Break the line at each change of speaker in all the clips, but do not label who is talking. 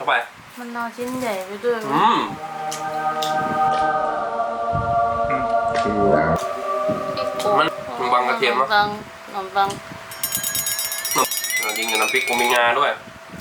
เข้าไป
มันนอชิ้นใหญ่ไปด้วย
มันบางกระเทียมมั้ง
ขนมปัง
จริงๆน้ำพริกกูมีงาด้วย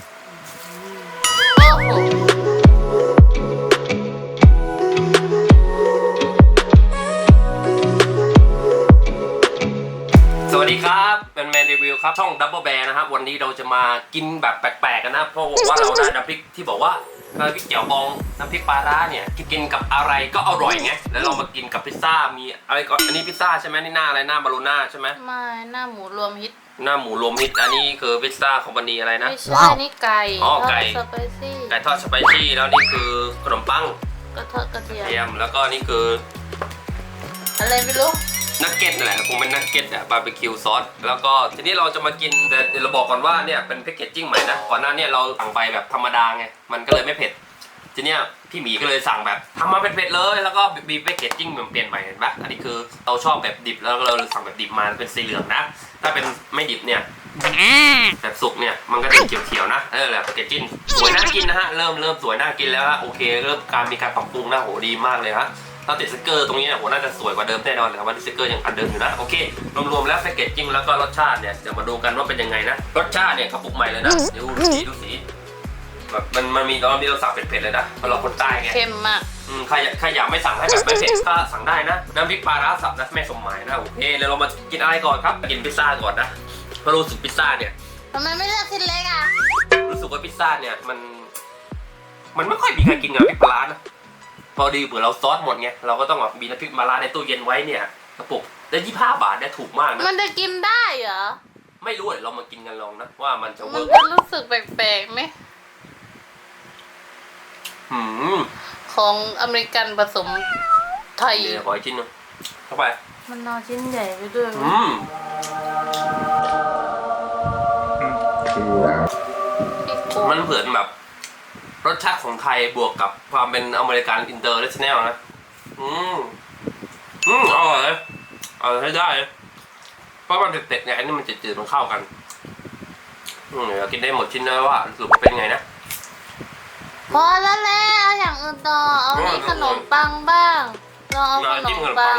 สวัสดีครับเป็นแมนรีวิวครับช่องดับเบิลแบร์นะครับวันนี้เราจะมากินแบบแปลกๆกันนะเพราะว่าเราได้น้ำพริกที่บอกว่าน้ำพริกเจียวบองน้ำพริกปลาร้าเนี่ยกินกับอะไรก็อร่อยไงแล้วเรามากินกับพิซซ่ามีอะไรก่อนอันนี้พิซซ่าใช่ไหมนี่หน้าอะไรหน้าบาโลน่าใช่ไหม
ไม่หน้าหมูรวมฮิต
หน้าหมูรวมฮิตอันนี้คือพิซซ่าคอมพานีอะไรนะ
ไม่ใช่นี่ไก่
ไก่
สไปซี่
ไก่ทอดสไปซี่แล้วนี่คือขนมปัง
ก็ทอดกระเทียม
แล้วก็นี่คือ
อะไรไม่รู้
นักเก็ตนั่นแหละคงเป็นนักเก็ตอะบาร์บีคิวซอสแล้วก็ทีนี้เราจะมากินแต่เดี๋ยวเราบอกก่อนว่าเนี่ยเป็นแพคเกจจิ้งใหม่นะก่อนหน้านี้เราสั่งไปแบบธรรมดาไงมันก็เลยไม่เผ็ดทีเนี้ยพี่หมีก็เลยสั่งแบบทำมาเป็นเผ็ดเลยแล้วก็มีแพคเกจจิ้งเปลี่ยนใหม่เห็นปะอันนี้คือเราชอบแบบดิบแล้วเราเลยสั่งแบบดิบมาเป็นสีเหลืองนะถ้าเป็นไม่ดิบเนี่ยแบบสุกเนี่ยมันก็จะเขียวๆนะแหละแพคเกจจิ้งสวยน่ากินนะฮะเริ่มสวยน่ากินแล้วฮะโอเคเริ่มมีการปรับปรุงนะโหดีมากเลยฮะถ้าติดสติ๊กเกอร์ตรงนี้เนี่ยโหน่าจะสวยกว่าเดิมแน่นอนแต่ว่าสติ๊กเกอร์ยังอันเดิมอยู่นะโอเครวมๆแล้วแพคเกจจิ้งแล้วก็รสชาติเนี่ยเดี๋ยวมาดูกันว่าเป็นยังไงนะรสชาติเนี่ยกระปุกใหม่เลยนะดูสีแบบมันมีตอนที่เราสั่งเผ็ดๆเลยนะเพราะเราคนใต้ไง
เค็มมาก
ใครอยากไม่สั่งให้แบบไม่เผ็ดก็สั่งได้นะน้ำพริกปลาร้าสับนะแม่สมหมายนะโอเคเดี๋ยวเรามากินอะไรก่อนครับกินพิซซ่าก่อนนะเพราะรู้สึกพิซซ่าเนี่ย
ทำไมไม่เลือกชิ้นเล็กอ่ะ
รู้สึกว่าพิซซ่าเนี่ยมันไม่ค่อยมีใครกินกับพริกปลาร้านะพอดีเผื่อเราซอสหมดไงเราก็ต้องแบบมีน้ำพริกปลาร้าในตู้เย็นไว้เนี่ยกระปุกได้25 บาทเนี่ยถูกมากนะ
มันจะกินได้เหรอ
ไม่รู้เดี๋ยวเรามากินกันลองนะว่ามันจะเวิร์ก
มันรู้สึกแปลกๆไหมของอเมริกันผสมไทย
ขออีกชิ้นนึงเข้าไป
มันนอชิ้นใหญ่ไปด้วย
มันเหมือนแบบรสชาติของไทยบวกกับความเป็นอเมริกันอินเตอร์เนชั่นแนลนะอร่อยเลยใช้ได้เพราะมันเผ็ดๆเนี่ยอันนี้มันจืดๆมันเข้ากันเดี๋ยวกินได้หมดชิ้นเลยว่าสรุปว่าเป็นไงนะ
พอแล้วแหละเอาอย่างอื่นต่อเอานี่ขนมปังบ้างลองเอาขนมปัง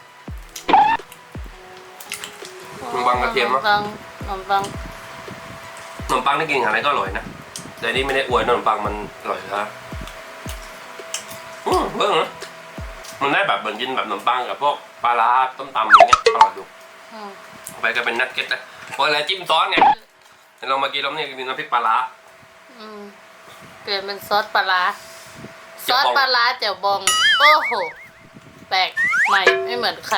กระเทียมมั้ง
ขนมปัง
ได้กินอะไรก็อร่อยนะแต่นี่ไม่ได้อวยขนมปังมันอร่อยนะเบิ่งนะมันได้แบบเหมือนกินแบบขนมปังกับพวกปลาร้าต้มตำอย่างเงี้ยอร่อยดูไปก็เป็นนักเก็ตนะเพราะอะไรจิ้มซอสไงเรามากินแล้วเนี่ยกินน้ำพริกปลาร้า
เปลี่ยนเป็นซอสปลาร้าซอสปลาร้าเจียวบองโอ้โหแปลกใหม่ไม่เหมือนใคร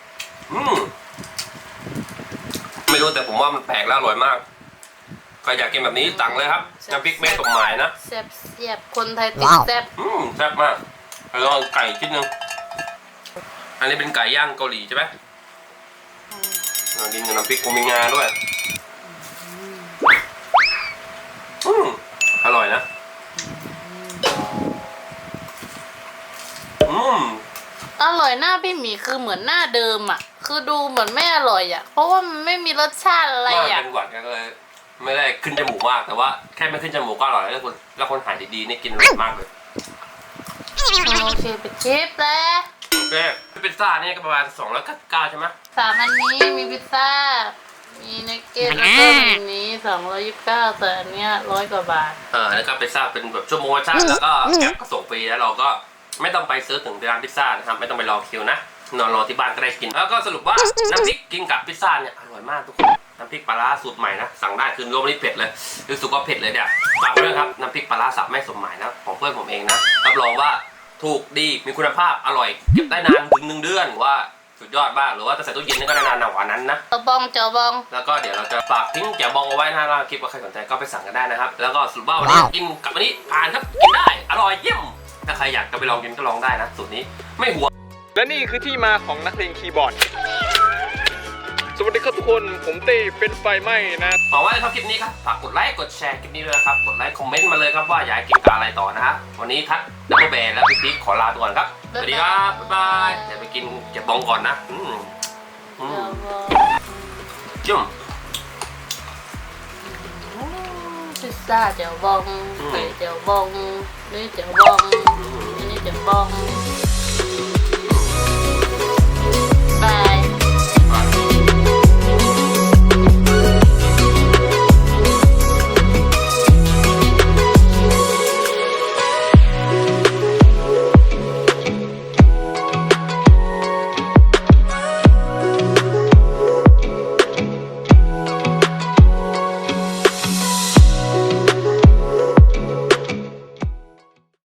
ไม่รู้แต่ผมว่ามันแปลกแล้วอร่อยมากใครอยากกินแบบนี้สั่งเลยครับน้ำพริกแม่สมหมายนะ
แซ่บคนไทยติดแซ่บ
แซ่บมากแล้วก็ไก่ชิ้นนึงอันนี้เป็นไก่ย่างเกาหลีใช่ไหมกินกับน้ำพริกกูมีงาด้วยอร่อยนะ
อร่อยหน้าพี่หมีคือเหมือนหน้าเดิมอ่ะคือดูเหมือนไม่อร่อยอ่ะเพราะว่ามันไม่มีรสชาติอะไรอ่ะ
เป็นหวัดก็เลยไม่ได้ขึ้นจมูกมากแต่ว่าแค่ไม่ขึ้นจมูกก็อร่อยแล้วคนหายดีๆนี่กินอร่อยมากเลย
โอเคไปชิปแล้ว
โอเคพิซซ่านี่ก็ประมาณ299ใช่ไหม
3อันนี้มีพิซซ่ามีนักเก็ตแล้วก็มีนี้229แต่อันเนี้ย100 กว่าบาท
แล้วก็พิซซ่าเป็นแบบชั่วโมงชาติแล้วก็แก๊ปก็ส่งฟรีแล้วเราก็ไม่ต้องไปซื้อถึงร้านพิซซ่านะครับไม่ต้องไปรอคิวนะนอนรอที่บ้านก็ได้กินแล้วก็สรุปว่าน้ำพริกกินกับพิซซ่าเนี่ยอร่อยมากทุกคนน้ำพริกปลาร้าสูตรใหม่นะสั่งได้คือรวมนี่เผ็ดเลยรู้สึกว่าเผ็ดเลยเนี่ยฝากด้วยครับน้ำพริกปลาร้าสับแม่สมหมายนะของเพื่อนผมเองนะรับรองว่าถูกดีมีคุณภาพอร่อยเก็บได้นานถึง1 เดือนว่าสุดยอดมากหรือว่าจะใส่ตู้เย็นก็ได้นานกว่านั้นนะ
เจ้าบอง
แล้วก็เดี๋ยวเราจะฝากทิ้งแจ่วบองเอาไว้นะแล้วคลิปว่าใครสนใจก็ไปสั่งกันได้นะครับแล้วก็สรุปว่าวันนี้กินกับอันนี้ผ่านครับกินได้อร่อยเยี่ยมถ้าใครอยากจะไปลองกินก็ลองได้นะสูตรนี้ไม่หัว
และนี่คือที่มาของนักเลงคีย์บอร์ดสวัสดีครับทุกคนผมเต้เป็นไฟไหม้นะ
หวังว่าชอบคลิปนี้ครับฝากกดไลค์กดแชร์คลิปนี้ด้วยนะครับกดไลค์คอมเมนต์มาเลยครับว่าอยากกินกับอะไรต่อนะฮะวันนี้ทัดดับเบิลแบร์และพี่พีคขอลาไปก่อนครับสวัสดีครับบ๊ายบายเดี๋ยวไปกินแจ่วบองก่อนนะจุ่ม
ซ่าเจียวบองไข่เจียวบองนี่เจียวบองนี่เจียวบอง